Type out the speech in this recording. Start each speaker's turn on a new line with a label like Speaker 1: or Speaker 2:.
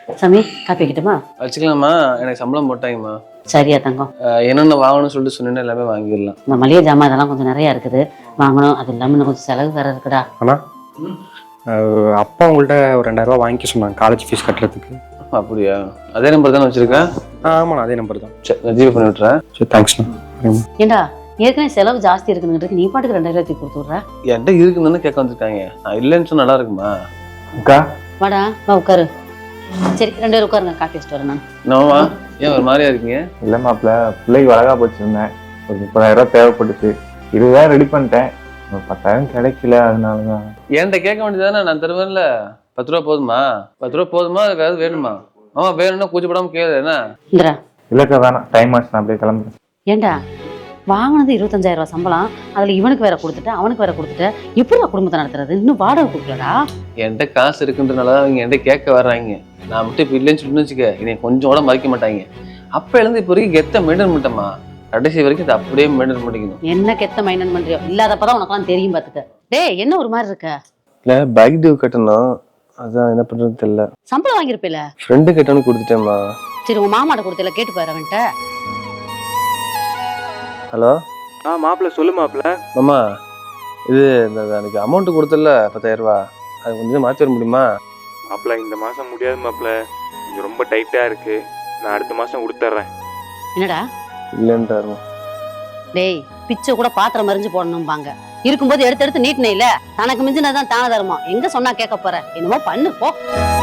Speaker 1: சாமி காப்பி வைக்கட்டுமா?
Speaker 2: வச்சுக்கலாமா? எனக்கு சம்பளம் போட்டாங்கம்மா.
Speaker 1: சரியா தங்கம்.
Speaker 2: என்னென்ன வாங்கணும்னு சொல்லிட்டு சொன்னீங்கன்னா எல்லாமே வாங்கிடலாம்.
Speaker 1: இந்த மளிகை ஜாமான் இதெல்லாம் கொஞ்சம் நிறையா இருக்குது, வாங்கணும். அது இல்லாமல் இன்னும் கொஞ்சம் செலவு வேற இருக்குடா.
Speaker 3: ஆனால் அப்பா உங்கள்கிட்ட ஒரு 2000 வாங்கிக்க சொன்னாங்க காலேஜ் ஃபீஸ் கட்டுறதுக்கு.
Speaker 2: அப்படியா? அதே நம்பர் தானே வச்சிருக்கேன்?
Speaker 3: ஆமாண்ணா அதே நம்பர் தான்.
Speaker 2: சரி, நான் ஜிபே பண்ணி விட்டுறேன்.
Speaker 3: சரி தேங்க்ஸ்ண்ணா.
Speaker 1: ஏண்டா ஏற்கனவே செலவு ஜாஸ்தி இருக்குன்னு நீ பாட்டுக்கு 2000 கொடுத்து விட்ற.
Speaker 2: என்கிட்ட இருக்குன்னு கேட்க வந்திருக்காங்க. நான் இல்லைன்னு சொன்னா நல்லா இருக்குமா?
Speaker 3: அக்கா
Speaker 1: வாடா வா உட்காரு. சரி 2 பேரும் உட்காருங்க, காப்பி வச்சுட்டு வரேன் நான்.
Speaker 2: என்னவா? ஏன் ஒரு மாதிரியா இருக்கீங்க?
Speaker 4: இல்லை மாப்பிள்ள, பிள்ளைக்கு வளகா போச்சுருந்தேன். ஒரு 30,000 தேவைப்பட்டுச்சு. 20,000 ரெடி பண்ணிட்டேன். ஒரு 10,000 கிடைக்கல, அதனால தான்.
Speaker 2: என்கிட்ட கேட்க வேண்டியதானே? நான் தருவேன்ல. 10 ரூபா போதுமா? 10 ரூபா போதுமா? வேறு வேணுமா? வேணும்னா கூச்சப்படாம கேளு. என்ன
Speaker 1: இந்திரா?
Speaker 4: இல்லைக்கா வேணாம், டைம் ஆச்சு, நான் அப்படியே கிளம்புறேன்.
Speaker 1: ஏண்டா வாங்கினது 25,000 சம்பளம், அதுல இவனுக்கு வேற கொடுத்துட்டு அவனுக்கு வேற கொடுத்துட்டு எப்படி குடும்பத்தை நடத்துறது? இன்னும் வாடகை கொடுக்கலடா.
Speaker 2: என்கிட்ட காசு இருக்குன்றனால அவங்க என்கிட்ட கேட்க வர்றாங்க. நான் மட்டும் இப்போ இல்லைன்னு சொல்லிட்டு வச்சுக்க, என்னை கொஞ்சம் கூட மதிக்க மாட்டாங்க. அப்ப இருந்து இப்போ வரைக்கும் கெத்த மெயின்டைன் பண்ணிட்டோமா, கடைசி வரைக்கும் இதை அப்படியே மெயின்டைன் பண்ணிக்கணும்.
Speaker 1: என்ன கெத்த மைண்டன் பண்றியோ? இல்லாதப்பதான் உனக்கெல்லாம் தெரியும் பாத்துக்க. டேய் என்ன ஒரு மாதிரி இருக்க?
Speaker 2: இல்லை, பைக் டியூ கட்டணும், அதான் என்ன பண்றது தெரியல.
Speaker 1: சம்பளம் வாங்கியிருப்பில?
Speaker 2: ஃப்ரெண்டு கேட்டானு கொடுத்துட்டேம்மா.
Speaker 1: சரி உங்க மாமாட்ட கொடுத்தல, கேட்டு பாரு அவன்கிட்ட.
Speaker 2: ஹலோ
Speaker 3: மாப்பிள்ள சொல்லு மாப்பிள்ள.
Speaker 2: மாமா, இது இந்த எனக்கு அமௌண்ட் கொடுத்தல 10,000 ரூபா, அது கொஞ்சம் மாற்றி வர முடியுமா?
Speaker 5: மாப்பிள்ள இந்த மாதம் முடியாது மாப்பிள்ள, கொஞ்சம் ரொம்ப டைட்டாக இருக்குது. நான் அடுத்த மாதம் கொடுத்துட்றேன்.
Speaker 1: என்னடா?
Speaker 2: இல்லைன்றாரு.
Speaker 1: டேய் பிச்சை கூட பாத்திரம் மறிஞ்சு போடணும்பாங்க, இருக்கும்போது எடுத்து எடுத்து நீட்டினே இல்ல. தனக்கு மிஞ்சினதான் தான தருமா? எங்க சொன்னா கேட்க போற? என்னமோ பண்ணு போ.